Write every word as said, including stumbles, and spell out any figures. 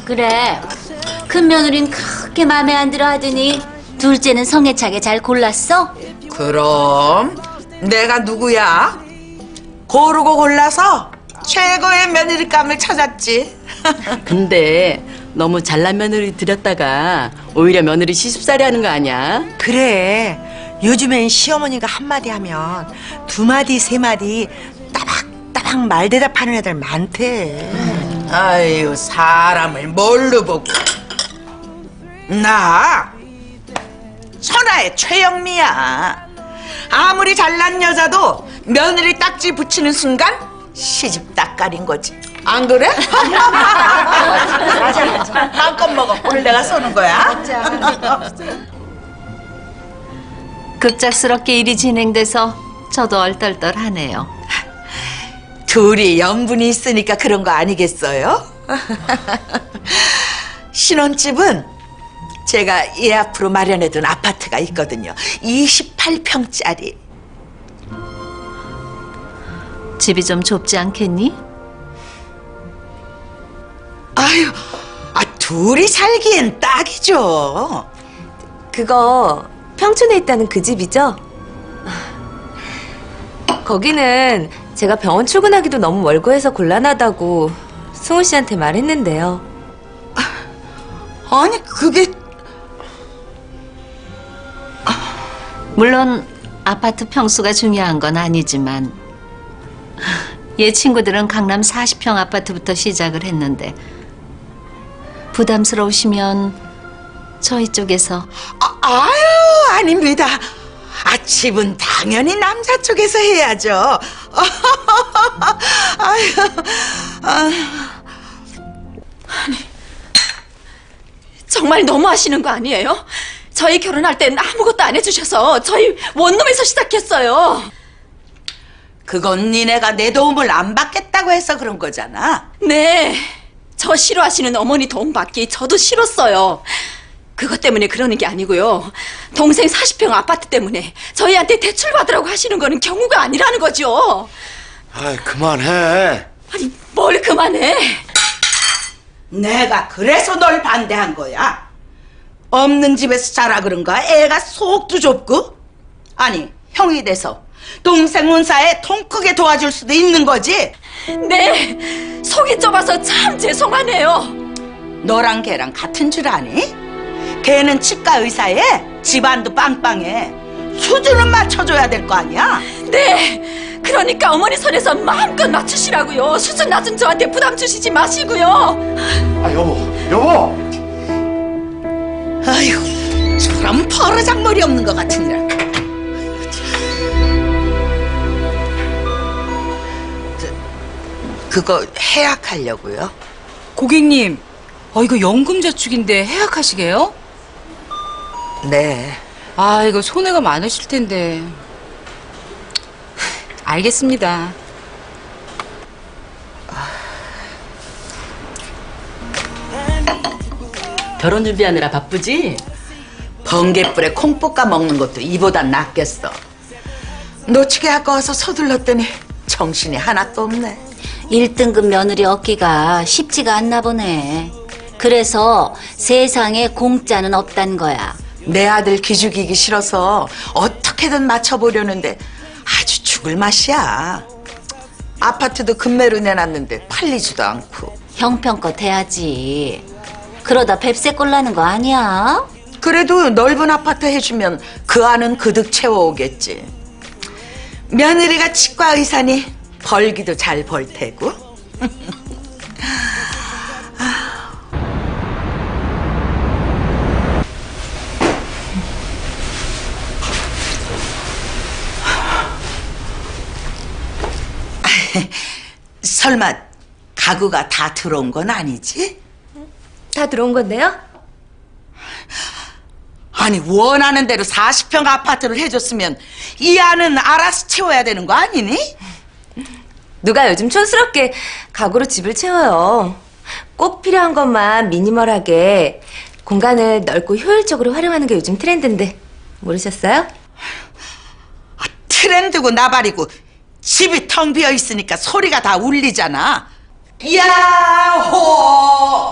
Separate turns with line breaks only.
그래, 큰 며느린 그렇게 마음에 안 들어 하더니 둘째는 성애차게 잘 골랐어?
그럼 내가 누구야? 고르고 골라서 최고의 며느리감을 찾았지.
근데 너무 잘난 며느리 들였다가 오히려 며느리 시집살이 하는 거 아니야?
그래. 요즘엔 시어머니가 한마디 하면 두 마디 세 마디 따박따박 말 대답하는 애들 많대.
아유, 사람을 뭘로 보고. 나 천하의 최영미야. 아무리 잘난 여자도 며느리 딱지 붙이는 순간 시집 딱가린 거지. 안 그래? 맞아, 맞아. 마음껏 먹어. 오늘 내가 쏘는 거야.
급작스럽게 일이 진행돼서 저도 얼떨떨하네요.
둘이 연분이 있으니까 그런 거 아니겠어요? 신혼집은 제가 예 앞으로 마련해둔 아파트가 있거든요. 이십팔 평짜리.
집이 좀 좁지 않겠니?
아유, 아, 둘이 살기엔 딱이죠.
그거 평촌에 있다는 그 집이죠? 거기는 제가 병원 출근하기도 너무 멀고해서 곤란하다고 승우 씨한테 말했는데요.
아니, 그게
물론 아파트 평수가 중요한 건 아니지만 얘 친구들은 강남 사십 평 아파트부터 시작을 했는데 부담스러우시면 저희 쪽에서
아, 아유, 아닙니다. 아, 집은 당연히 남자 쪽에서 해야죠. 아유, 아유.
정말 너무하시는 거 아니에요? 저희 결혼할 땐 아무것도 안 해주셔서 저희 원룸에서 시작했어요.
그건 니네가 내 도움을 안 받겠다고 해서 그런 거잖아.
네, 저 싫어하시는 어머니 도움 받기 저도 싫었어요. 그것 때문에 그러는 게 아니고요. 동생 사십 평 아파트 때문에 저희한테 대출 받으라고 하시는 거는 경우가 아니라는 거죠.
아이, 그만해.
아니, 뭘 그만해.
내가 그래서 널 반대한 거야. 없는 집에서 자라 그런가? 애가 속도 좁고? 아니, 형이 돼서 동생 운사에 통 크게 도와줄 수도 있는 거지?
네, 속이 좁아서 참 죄송하네요.
너랑 걔랑 같은 줄 아니? 걔는 치과 의사에 집안도 빵빵해. 수준은 맞춰줘야 될 거 아니야?
네, 그러니까 어머니 선에서 마음껏 맞추시라고요. 수준 낮은 저한테 부담 주시지 마시고요.
아, 여보, 여보!
아이고, 저런 버르장머리 없는 것 같으니라. 저, 그거 해약하려고요?
고객님, 어, 이거 연금저축인데 해약하시게요?
네.
아, 이거 손해가 많으실 텐데. 알겠습니다.
결혼 준비하느라 바쁘지?
번갯불에 콩 볶아 먹는 것도 이보단 낫겠어. 놓치게 아까워서 서둘렀더니 정신이 하나도 없네.
일 등급 며느리 얻기가 쉽지가 않나 보네. 그래서 세상에 공짜는 없단 거야.
내 아들 기죽이기 싫어서 어떻게든 맞춰보려는데 아주 죽을 맛이야. 아파트도 급매로 내놨는데 팔리지도 않고.
형편껏 해야지. 그러다 뱁새꼴 나는 거 아니야?
그래도 넓은 아파트 해주면 그 안은 그득 채워오겠지. 며느리가 치과 의사니 벌기도 잘 벌 테고. 설마 가구가 다 들어온 건 아니지?
다 들어온 건데요?
아니, 원하는 대로 사십 평 아파트를 해줬으면 이 안은 알아서 채워야 되는 거 아니니?
누가 요즘 촌스럽게 가구로 집을 채워요. 꼭 필요한 것만 미니멀하게 공간을 넓고 효율적으로 활용하는 게 요즘 트렌드인데 모르셨어요?
트렌드고 나발이고 집이 텅 비어 있으니까 소리가 다 울리잖아. 야호!